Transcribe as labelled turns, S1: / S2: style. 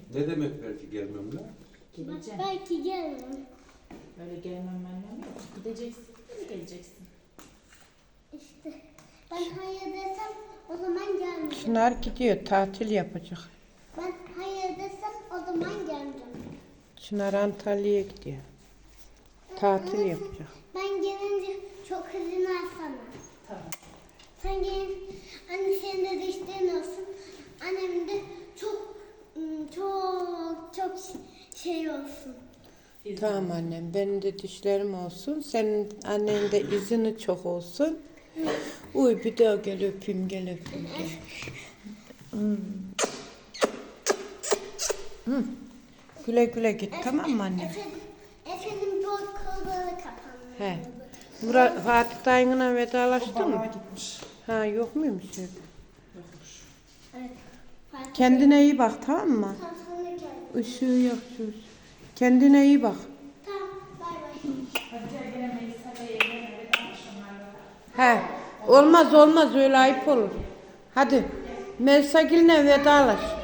S1: Ne demek belki gelmem lan?
S2: Geleceğim.
S3: Belki gelmem.
S2: Öyle gelmem yok. Gideceksin, geleceksin.
S3: İşte ben hayır desem o zaman gelmeyeceğim.
S4: Çınar gidiyor, tatil yapacak.
S3: Ben hayır desem o zaman gelmeyeceğim.
S4: Çınar Antalya'ya gidiyor. Tatil yapacak.
S3: Ben gelince çok izin alsana.
S2: Tamam.
S3: Sen gelin, anne senin de dişlerin olsun. Annemin de çok şey olsun.
S4: Tamam annem, benim de dişlerim olsun. Senin annenin de izini çok olsun. Uy bir daha gel öpeyim, gel öpeyim. Gel. Hı. Güle güle git, tamam mı annem?
S3: Efendim bu kolları kapandı.
S4: He. Fatih dayınla vedalaştın mı?
S2: Balığa gitmiş.
S4: Ha yok muymuş öyle?
S2: Yokmuş.
S3: Evet. Fatih
S4: Kendine iyi bak, tamam mı?
S3: tam sana geldi.
S4: Işığı yok şu. Kendine iyi bak.
S3: Tamam, bay bay.
S2: Hadi gel gene Melisa'yla yemeğe ve akşamlarla.
S4: He. Olmaz olmaz, öyle ayıp olur. Hadi. Melisa Gül'le vedalaş.